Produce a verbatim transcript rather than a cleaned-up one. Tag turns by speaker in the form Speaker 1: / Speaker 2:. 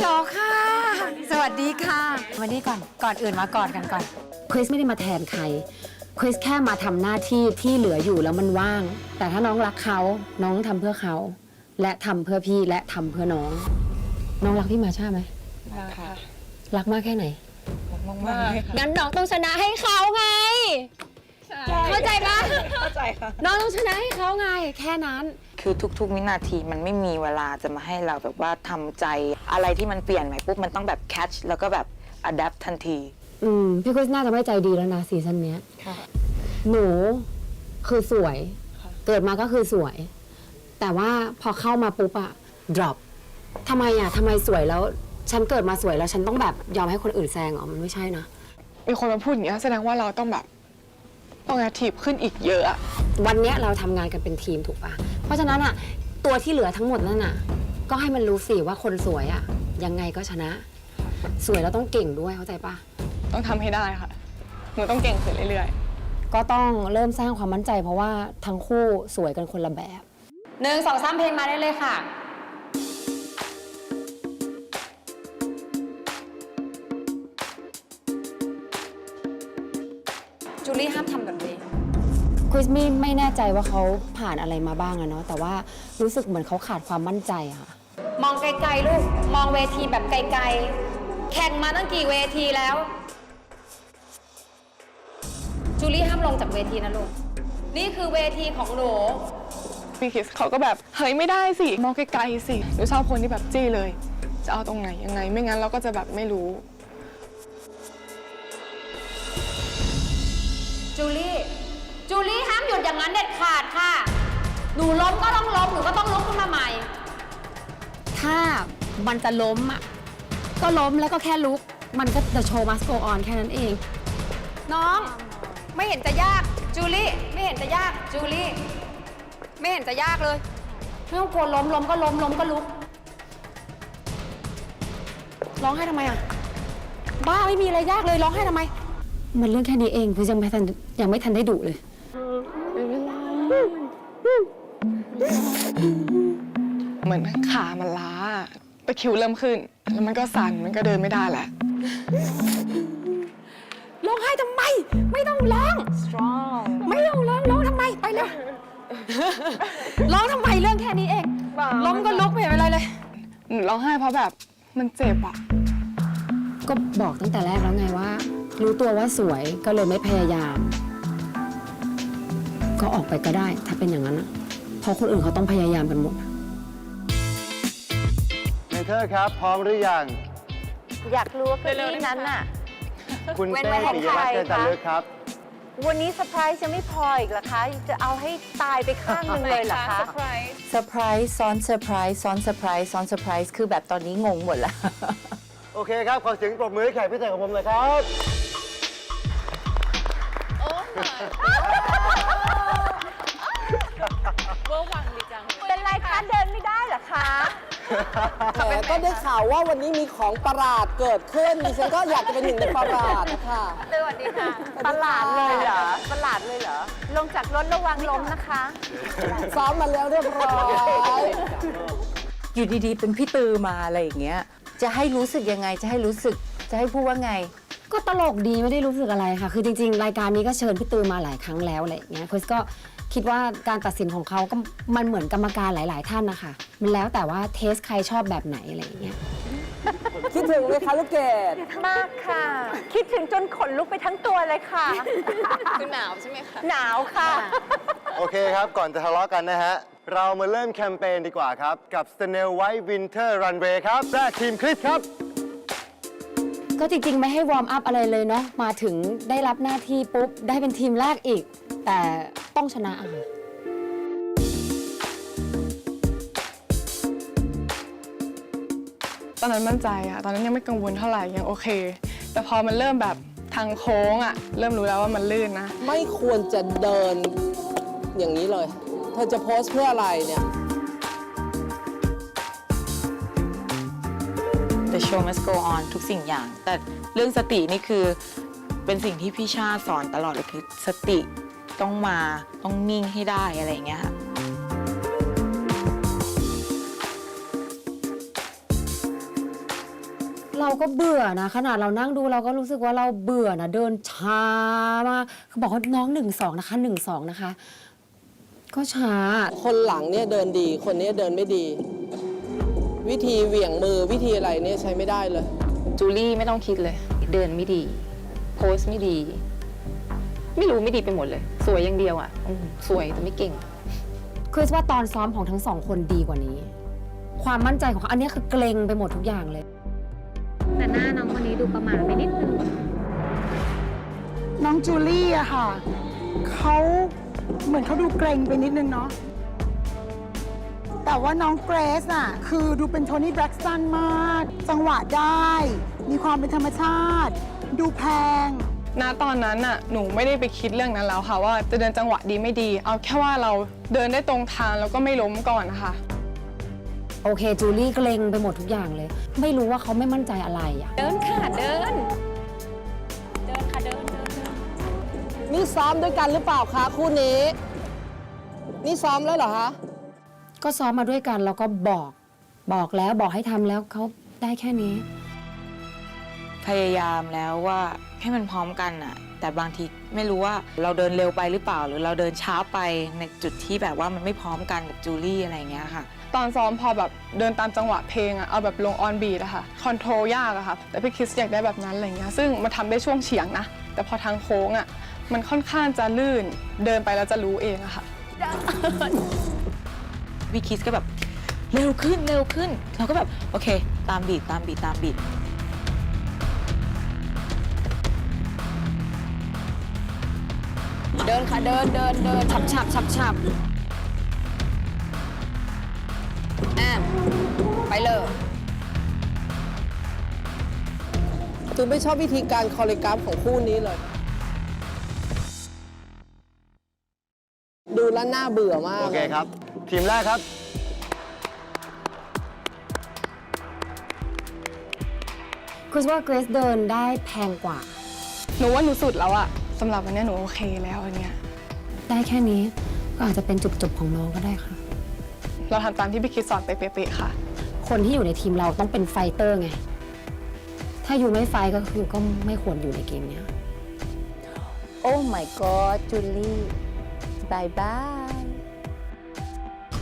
Speaker 1: ลค่ะสวัสดีค่ะวันนี้ก่อนก่อนอื่นมากอดกันก่อนคริสไม่ได้มาแทนใครคริสแค่มาทำหน้าที่ที่เหลืออยู่แล้วมันว่างแต่ถ้าน้องรักเขาน้องทำเพื่อเขาและทำเพื่อพี่และทำเพื่อน้องน้องรักพี่มาช่าไหม
Speaker 2: รักค่ะ
Speaker 1: รักมากแค่ไหน
Speaker 2: รักมากๆเลยค่ะ
Speaker 1: งั้นน้องต้องชนะให้เขาไงเข้าใจปะ
Speaker 2: เข้าใจค่ะ
Speaker 1: น้องต้องชนะให้เขาไงแค่นั้น
Speaker 3: คือทุกๆวินาทีมันไม่มีเวลาจะมาให้เราแบบว่าทำใจอะไรที่มันเปลี่ยนใหม่ปุ๊บมันต้องแบบ catch แล้วก็แบบ adapt ทันที
Speaker 1: อืมพี่คริสน่าจะไม่ใจดีแล้วนะซีซั่นนี้
Speaker 2: ค่ะ
Speaker 1: หนูคือสวยเกิดมาก็คือสวยแต่ว่าพอเข้ามาปุ๊บอะ drop ทำไมอะทำไมสวยแล้วฉันเกิดมาสวยแล้วฉันต้องแบบยอมให้คนอื่นแซงเหรอมันไม่ใช่นะ
Speaker 2: มีคนมาพูดอย่างนี้แสดงว่าเราต้องแบบต้องแอคทีฟขึ้นอีกเยอะ
Speaker 1: วันนี้เราทำงานกันเป็นทีมถูกปะเพราะฉะนั้นอะตัวที่เหลือทั้งหมดนั่นอะก็ให้มันรู้สิว่าคนสวยอะยังไงก็ชนะสวยแล้วต้องเก่งด้วยเข้าใจปะ
Speaker 2: ต้องทำให้ได้ค่ะหนูต้องเก่งขึ้นเรื่อย
Speaker 1: ๆก็ต้องเริ่มสร้างความมั่นใจเพราะว่าทั้งคู่สวยกันคนละแบบหนึ่งสองสามเพลงมาได้เลยค่ะจูลี่ห้ามทำแบบนี้คริสมี่ไม่แน่ใจว่าเขาผ่านอะไรมาบ้างอะเนาะแต่ว่ารู้สึกเหมือนเขาขาดความมั่นใจอะค่ะมองไกลๆลูกมองเวทีแบบไกลๆแข่งมาตั้งกี่เวทีแล้วจูลี่ห้ามลงจากเวทีนะลูกนี่คือเวทีของหนู
Speaker 2: พี่คิสเขาก็แบบเฮ้ยไม่ได้สิมองไกลๆสิหนูชอบคนที่แบบจี้เลยจะเอาตรงไหนยังไงไม่งั้นเราก็จะแบบไม่รู้
Speaker 1: จูลี่จูลี่ห้ามหยุดอย่างนั้นเด็ดขาดค่ะหนูล้มก็ต้องล้มหนูก็ต้องลุกขึ้นมาใหม่ถ้ามันจะล้มอ่ะก็ล้มแล้วก็แค่ลุกมันก็ the show must go on แค่นั้นเองน้องไม่เห็นจะยากจูลี่ไม่เห็นจะยากจูลี่ไม่เห็นจะยากเลยไม่ต้องกลัวล้มล้มก็ล้มล้มก็ลุกร้องให้ทำไมอ่ะบ้าไม่มีอะไรยากเลยร้องให้ทำไมมันเรื่องแค่นี้เองคือยังไม่ทันยังไม่ทันได้ดุเลย
Speaker 2: เหมือนขามันล้าตะคริวเริ่มขึ้นแล้วมันก็สั่นมันก็เดินไม่ได้แหละ
Speaker 1: ร้องไห้ทำไมไม่ต้องร้อง
Speaker 3: strong
Speaker 1: ไม่ต้องร้องร้องทำไมไปเลยร้องทำไมเรื่องแค่นี้เองล้มก็ลุกไม่เห็นอะไรเลย
Speaker 2: หนูร้องไห้เพราะแบบมันเจ็บอะ
Speaker 1: ก็บอกตั้งแต่แรกแล้วไงว่ารู้ตัวว่าสวยก็เลยไม่พยายามก็ออกไปก็ได้ถ้าเป็นอย่างนั้นนะเพราะคนอื่นเขาต้องพยายามกันหมด
Speaker 4: เมเธอร์ครับพร้อมหรือยัง
Speaker 5: อยากรู้ว่าเก้าอี้นั้นน่ะ
Speaker 4: คุณเต้ปิยวัฒน์เจริญจันทร์ลึกครับ
Speaker 5: วันนี้เซอร์ไพรส์จะไม่พออีกเหรอคะจะเอาให้ตายไปข้างหนึ่งเลยเหรอคะ
Speaker 3: เซอร์ไพรส์ซ้อนเซอร์ไพรส์ซ้อนเซอร์ไพรส์ซ้อนเซอร์ไพรส์คือแบบตอนนี้งงหมดแล้ว
Speaker 4: โอเคครับขอเสียงปรบมือให้แขกพิเศษของผมเลยครับ
Speaker 5: เป็นไรคะเดินไม่ได้เหรอคะ
Speaker 6: ก็ได้ข่าวว่าวันนี้มีของประหลาดเกิดขึ้นดิฉันก็อยากจะเป็นหนึ่งในประหลาดนะคะ
Speaker 5: สวัสดีค่ะประหลาดเลยเหรอประหลาดเลยเหรอลงจากรถระวังล้มนะคะ
Speaker 6: ซ้อมมาแล้วเรียบร้อย
Speaker 3: อยู่ดีๆเป็นพี่ตือมาอะไรอย่างเงี้ยจะให้รู้สึกยังไงจะให้รู้สึกจะให้พูดว่าไง
Speaker 1: ก็ตลกดีไม่ได้รู้สึกอะไรค่ะคือจริงๆรายการนี้ก็เชิญพี่ตือมาหลายครั้งแล้วอะไรอย่างเงี้ยคริสก็คิดว่าการตัดสินของเขาก็มันเหมือนกรรมการหลายๆท่านนะคะมันแล้วแต่ว่าเทสใครชอบแบบไหนอะไรอย่างเงี้ย
Speaker 6: คิดถึงไหมคะลูกเกด
Speaker 5: มากค่ะคิดถึงจนขนลุกไปทั้งตัวเลยค่ะ
Speaker 2: คือหนาวใช่ไหมคะ
Speaker 5: หนาวค่ะ
Speaker 4: โอเคครับก่อนจะทะเลาะกันนะฮะเรามาเริ่มแคมเปญดีกว่าครับกับ Snail White Winter Runway ครับแรกทีมคริสครับ
Speaker 1: ก็จริงๆไม่ให้วอร์มอัพอะไรเลยเนาะมาถึงได้รับหน้าที่ปุ๊บได้เป็นทีมแรกอีกแต่ต้องชนะอ่ะ
Speaker 2: ตอนนั้นมั่นใจอะตอนนั้นยังไม่กังวลเท่าไหร่ยังโอเคแต่พอมันเริ่มแบบทางโค้งอะเริ่มรู้แล้วว่ามันลื่นนะ
Speaker 6: ไม่ควรจะเดินอย่างนี้เลยเธอจะโพสเพื่ออะไรเนี่ย
Speaker 3: The show must go on ทุกสิ่งอย่างแต่เรื่องสตินี่คือเป็นสิ่งที่พี่ชาสอนตลอดเลยคือสติต้องมาต้องนิ่งให้ได้อะไรอย่างเงี้ยค่ะ
Speaker 1: เราก็เบื่อนะขนาดเรานั่งดูเราก็รู้สึกว่าเราเบื่อนะเดินช้ามากเขาบอกว่าน้องหนึ่งสองนะคะหนึ่งสองนะคะ ก็ช้า
Speaker 6: คนหลังเนี่ยเดินดี คนนี้เดินไม่ดี วิธีเหวี่ยงมือวิธีอะไรเนี่ยใช้ไม่ได้เลย
Speaker 2: จูลี่ไม่ต้องคิดเลย เดินไม่ดี โพสไม่ดี ไม่รู้ไม่ดีไปหมดเลย สวยอย่างเดียวอ่ะอืมสวยแต่ไม่เก่ง
Speaker 1: คือว่าตอนซ้อมของทั้งสองคนดีกว่านี้ ความมั่นใจของเขาอันนี้คือเกรงไปหมดทุกอย่างเลย
Speaker 7: แต่หน้าน้องคนนี้ดูประมาทไปนิดนึง
Speaker 8: น้องจูลี่อะค่ะ เขาเหมือนเขาดูเกรงไปนิดนึงเนาะ แต่ว่าน้องเกรซอะคือดูเป็นโทนี่แบล็กสตันมาก จังหวะได้ มีความเป็นธรรมชาติ ดูแพง
Speaker 2: ณตอนนั้นน่ะหนูไม่ได้ไปคิดเรื่องนั้นแล้วค่ะว่าจะเดินจังหวะดีไม่ดี เอาแค่ว่าเราเดินได้ตรงทางแล้วก็ไม่ล้มก่อนนะคะ
Speaker 1: โอเคจูลี่เกรงไปหมดทุกอย่างเลย ไม่รู้ว่าเขาไม่มั่นใจอะไรอะ
Speaker 7: เดินค่ะ เดิน เดินค่ะ เดินเดินเดิน
Speaker 6: นี่ซ้อมด้วยกันหรือเปล่าคะคู่นี้ นี่ซ้อมแล้วเหรอคะ
Speaker 1: ก็ซ้อมมาด้วยกันแล้วก็บอกบอกแล้วบอกให้ทำแล้วเขาได้แค่นี้
Speaker 3: พยายามแล้วว่าให้มันพร้อมกันน่ะ แต่บางทีไม่รู้ว่าเราเดินเร็วไปหรือเปล่า หรือเราเดินช้าไปในจุดที่แบบว่ามันไม่พร้อมกันกับจูลี่อะไรอย่างเงี้ยค่ะ
Speaker 2: ตอนซ้อมพอแบบเดินตามจังหวะเพลงอะเอาแบบลงออนบีทอะค่ะคอนโทรลยากอะค่ะแต่พี่คริสอยากได้แบบนั้นอะไรเงี้ยซึ่งมันทำได้ช่วงเฉียงนะแต่พอทางโค้งอะมันค่อนข้างจะลื่นเดินไปแล้วจะรู้เองอะค่ะ
Speaker 3: พี่คิสก็แบบเร็วขึ้นเร็วขึ้น เราก็แบบโอเค ตามบีทตามบีทตามบีท
Speaker 1: เดินค่ะเดินเดินเดินฉับฉับฉับฉับอ่ะไปเลย
Speaker 6: คือไม่ชอบวิธีการคอริกราฟของคู่นี้เลย ดูแล้วน่าเบื่อมาก
Speaker 4: โอเคครับ ทีมแรกครับ
Speaker 1: คือว่าเกรซเดินได้แพงกว่า
Speaker 2: หนูว่าหนูสุดแล้วอะสำหรับวันนี้หนูโอเคแล้วอันเนี้ย
Speaker 1: ได้แค่นี้ก็อาจจะเป็นจุดจบของน้องก็ได้ค่ะ
Speaker 2: เราทำตามที่พี่คริสสอนไปเป๊ะๆค่ะ
Speaker 1: คนที่อยู่ในทีมเราต้องเป็นไฟเตอร์ไง ถ้าอยู่ไม่ไฟก็คือก็ไม่ควรอยู่ในเกมเนี้ย
Speaker 5: โอ้ my god จูลี่บายบาย